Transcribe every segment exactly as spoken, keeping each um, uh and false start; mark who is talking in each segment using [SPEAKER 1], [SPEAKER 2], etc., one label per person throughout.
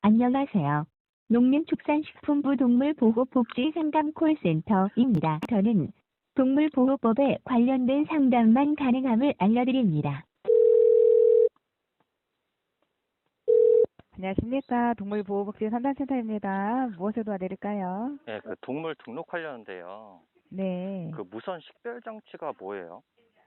[SPEAKER 1] 안녕하세요. 농림축산식품부 동물보호복지상담 콜센터입니다. 저는 동물보호법에 관련된 상담만 가능함을 알려드립니다.
[SPEAKER 2] 안녕하십니까. 동물보호복지상담센터입니다. 무엇을 도와드릴까요?
[SPEAKER 3] 예, 그 동물 등록하려는데요.
[SPEAKER 2] 네.
[SPEAKER 3] 그 무선 식별 장치가 뭐예요?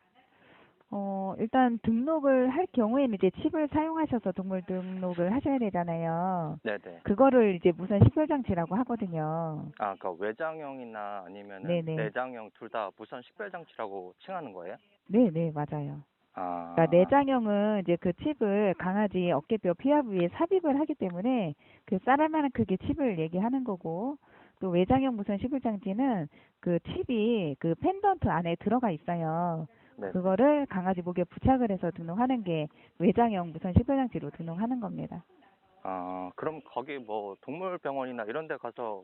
[SPEAKER 2] 어, 일단 등록을 할 경우에는 이제 칩을 사용하셔서 동물 등록을 하셔야 되잖아요.
[SPEAKER 3] 네네.
[SPEAKER 2] 그거를 이제 무선 식별장치라고 하거든요.
[SPEAKER 3] 아, 그러니까 외장형이나 아니면은
[SPEAKER 2] 네네.
[SPEAKER 3] 내장형 둘 다 무선 식별 장치라고 칭하는 거예요?
[SPEAKER 2] 네네, 맞아요.
[SPEAKER 3] 아,
[SPEAKER 2] 그러니까 내장형은 이제 그 칩을 강아지 어깨뼈 피하 부위에 삽입을 하기 때문에 그 쌀알만한 크기 칩을 얘기하는 거고, 또 외장형 무선 식별장치는 그 칩이 그 펜던트 안에 들어가 있어요.
[SPEAKER 3] 네.
[SPEAKER 2] 그거를 강아지 목에 부착을 해서 등록하는 게 외장형 무선 식별장치로 등록하는 겁니다.
[SPEAKER 3] 아, 그럼 거기 뭐 동물병원이나 이런 데 가서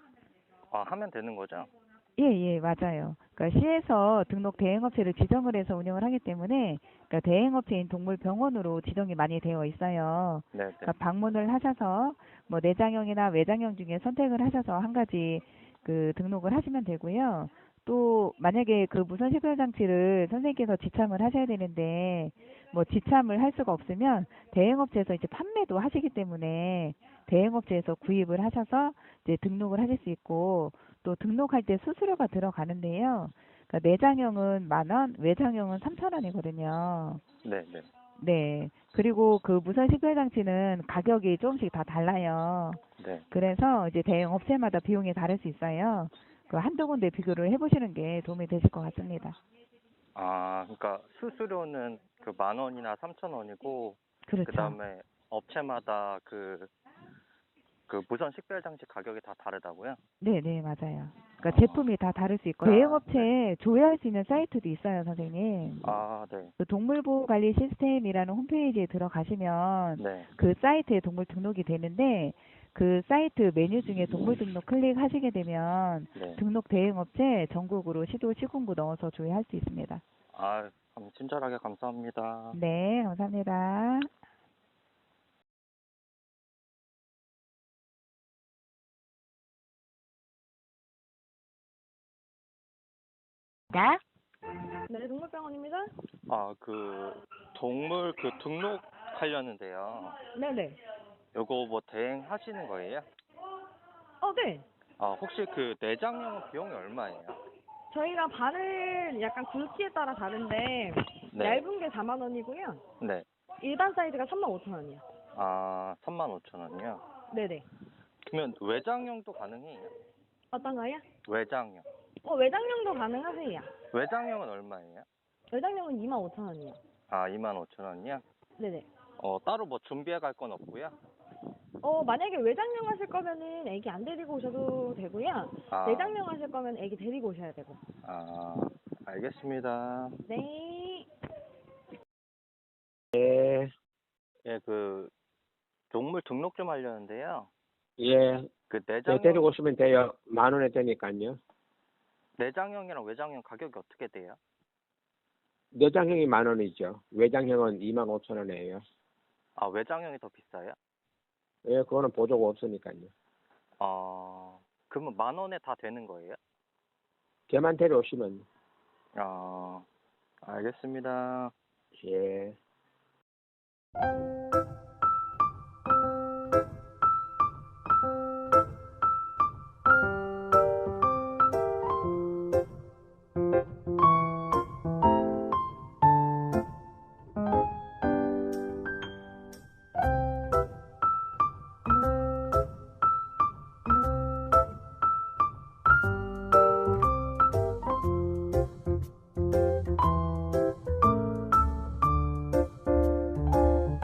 [SPEAKER 3] 아, 하면 되는 거죠?
[SPEAKER 2] 예, 예, 맞아요. 그러니까 시에서 등록 대행업체를 지정을 해서 운영을 하기 때문에, 그러니까 대행업체인 동물병원으로 지정이 많이 되어 있어요.
[SPEAKER 3] 네네.
[SPEAKER 2] 그러니까 방문을 하셔서 뭐 내장형이나 외장형 중에 선택을 하셔서 한 가지 그 등록을 하시면 되고요. 또 만약에 그 무선 식별 장치를 선생님께서 지참을 하셔야 되는데 뭐 지참을 할 수가 없으면 대행업체에서 이제 판매도 하시기 때문에 대행업체에서 구입을 하셔서 이제 등록을 하실 수 있고, 또 등록할 때 수수료가 들어가는데요. 그러니까 내장형은 만 원, 외장형은 삼천 원이거든요.
[SPEAKER 3] 네네.
[SPEAKER 2] 네. 그리고 그 무선 식별 장치는 가격이 조금씩 다 달라요.
[SPEAKER 3] 네.
[SPEAKER 2] 그래서 이제 대형 업체마다 비용이 다를 수 있어요. 그 한두 군데 비교를 해보시는 게 도움이 되실 것 같습니다.
[SPEAKER 3] 아, 그러니까 수수료는 그 만 원이나 삼천 원이고, 그
[SPEAKER 2] 그렇죠.
[SPEAKER 3] 다음에 업체마다 그, 그 무선 식별 장치 가격이 다 다르다고요?
[SPEAKER 2] 네, 네, 맞아요. 그러니까
[SPEAKER 3] 아,
[SPEAKER 2] 제품이 다 다를 수 있고
[SPEAKER 3] 아,
[SPEAKER 2] 대형
[SPEAKER 3] 네.
[SPEAKER 2] 업체에 조회할 수 있는 사이트도 있어요, 선생님.
[SPEAKER 3] 아, 네.
[SPEAKER 2] 그 동물보호관리 시스템이라는 홈페이지에 들어가시면
[SPEAKER 3] 네.
[SPEAKER 2] 그 사이트에 동물 등록이 되는데, 그 사이트 메뉴 중에 동물 등록 클릭하시게 되면
[SPEAKER 3] 네.
[SPEAKER 2] 등록 대행업체 전국으로 시도 시군구 넣어서 조회할 수 있습니다.
[SPEAKER 3] 아, 감- 친절하게 감사합니다.
[SPEAKER 2] 네, 감사합니다.
[SPEAKER 1] 나?
[SPEAKER 4] 네, 동물병원입니다.
[SPEAKER 3] 아, 그 동물 그 등록하려는데요.
[SPEAKER 4] 네네.
[SPEAKER 3] 요거 뭐 대행하시는 거예요?
[SPEAKER 4] 어, 네.
[SPEAKER 3] 아, 혹시 그 내장형 비용이 얼마예요?
[SPEAKER 4] 저희가 바늘 약간 굵기에 따라 다른데
[SPEAKER 3] 네.
[SPEAKER 4] 얇은 게 사만 원이고요.
[SPEAKER 3] 네.
[SPEAKER 4] 일반 사이즈가 삼만 오천 원이요.
[SPEAKER 3] 아, 삼만 오천 원이요?
[SPEAKER 4] 네네.
[SPEAKER 3] 그러면 외장형도 가능해요?
[SPEAKER 4] 어떤 거요?
[SPEAKER 3] 외장형.
[SPEAKER 4] 어, 외장형도 가능하세요.
[SPEAKER 3] 외장형은 얼마예요?
[SPEAKER 4] 외장형은 이만 오천 원이요.
[SPEAKER 3] 아, 이만 오천 원이요?
[SPEAKER 4] 네네.
[SPEAKER 3] 어, 따로 뭐 준비해 갈 건 없고요?
[SPEAKER 4] 어, 만약에 외장형 하실 거면은 애기 안 데리고 오셔도 되고요.
[SPEAKER 3] 아.
[SPEAKER 4] 내장형 하실 거면 애기 데리고 오셔야 되고.
[SPEAKER 3] 아, 알겠습니다.
[SPEAKER 4] 네.
[SPEAKER 5] 예,
[SPEAKER 3] 예, 그 동물 등록 좀 하려는데요.
[SPEAKER 5] 예.
[SPEAKER 3] 그
[SPEAKER 5] 네,
[SPEAKER 3] 내장형
[SPEAKER 5] 데리고 오시면 돼요. 만 원에 되니까요.
[SPEAKER 3] 내장형이랑 외장형 가격이 어떻게 돼요?
[SPEAKER 5] 내장형이 만 원이죠. 외장형은 이만 오천 원이에요.
[SPEAKER 3] 아, 외장형이 더 비싸요?
[SPEAKER 5] 예, 그거는 보조가 없으니까요.
[SPEAKER 3] 어, 그러면 만 원에 다 되는 거예요?
[SPEAKER 5] 걔만 데려오시면.
[SPEAKER 3] 어, 알겠습니다.
[SPEAKER 5] 예.